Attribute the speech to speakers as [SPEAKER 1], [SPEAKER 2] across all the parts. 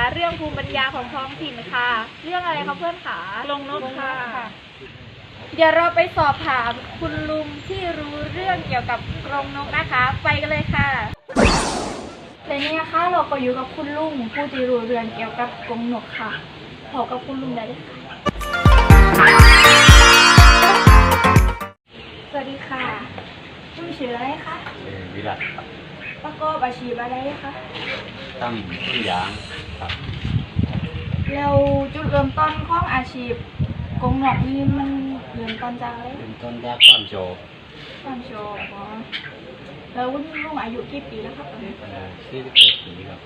[SPEAKER 1] เรื่องภูมิปัญญาของท้องถิ่นค่ะ เรื่องอะไรคะเพื่อนคะ
[SPEAKER 2] กรงนกค่ะ
[SPEAKER 1] เดี๋ยวเราไปสอบถามคุณลุงที่รู้เรื่องเกี่ยวกับกรงนกนะคะ ไปกันเลยค่ะและนี่นะคะเราก็อยู่กับคุณลุงผู้ที่รู้เรื่องเกี่ยวกับกรงนกค่ะพบกับคุณลุงได้เลยค่ะสวัสดีค่ะลุงชื่ออะไรคะ
[SPEAKER 3] วิรัตครับ
[SPEAKER 1] ประกอบอาชีพอะไรคะ
[SPEAKER 3] ทำทุกอย่างครับ
[SPEAKER 1] แล้วจุดเริ่มต้นของอาชีพกงนกนี่มันเริ่มต้นจากอะไร
[SPEAKER 3] เริ่มต้นจากความโชว์
[SPEAKER 1] ความโชว์อ๋อแล้วคุณลุงอายุกี่ปีแล้วครับตอนนี้
[SPEAKER 3] 41 ปีครับ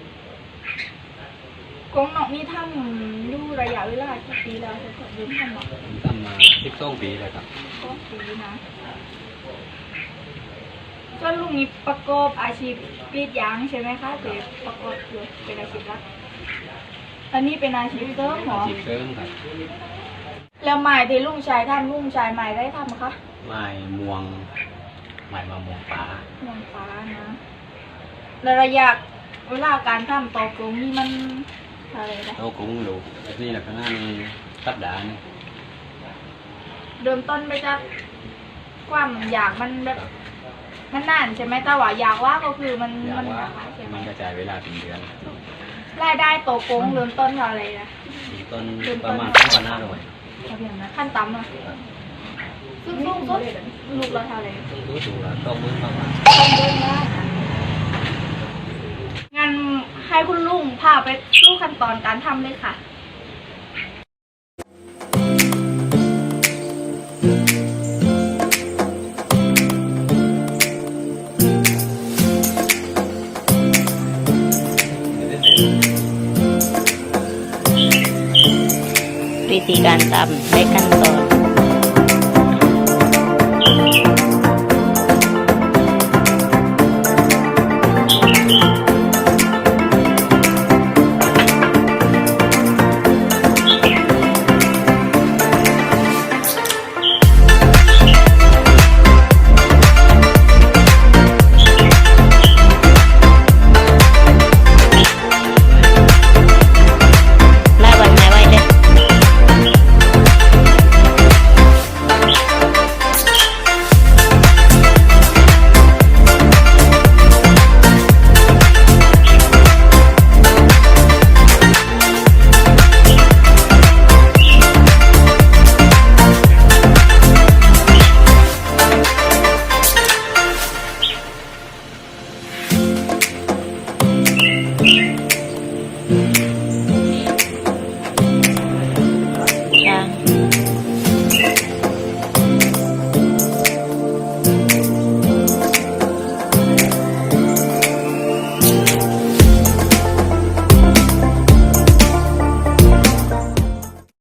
[SPEAKER 1] กงนกนี่ทำดูระยะเวลากี่ปีแล้วครับยืมทำมา
[SPEAKER 3] ทำมา12 ปีแล้วครับ
[SPEAKER 1] 12 ปีนะก็ลุงนี่ประกอบอาชีพกรีดยางใช่ไหมคะหรือประกอบอยู่เป็นอาชีพหลักอันนี้เป็นอาชีพเสริมเหรอ
[SPEAKER 3] อาชีพเสริมครับ
[SPEAKER 1] แล้วไม้ที่ลุงชายทำลุงชายไม้ได้ทำคะ
[SPEAKER 3] ไม้ม่วงไม้มะม่วงป่า
[SPEAKER 1] ม่วงฟ้านะแล้วระยะเวลาการทำตอกลงนี่มันอะไรนะ
[SPEAKER 3] โตกุ้งลูกนี่แหละข้างหน้ามีสัปดาห์นึง
[SPEAKER 1] เริ่มต้นไปจากความอยากมันแบบมันนานใช่ไหมแต่ว่าอยากว่าก็คือมัน
[SPEAKER 3] ใช่ไหมมันกระจายเวลาเป็นเดือน
[SPEAKER 1] รายได้โตกงเริ่มต้นเท่าไรนะ
[SPEAKER 3] ต้นประมาณ2,500
[SPEAKER 1] ขั้นต่ำนะซึ่งสูงสุดลูกละเท่าไร
[SPEAKER 3] ถูกละ20,000 ประมาณ
[SPEAKER 1] ต้องเดินได้งั้นให้คุณลุงพาไปสู่ขั้นตอนการทำเลยค่ะ
[SPEAKER 2] วิธีการทำและขั้นตอน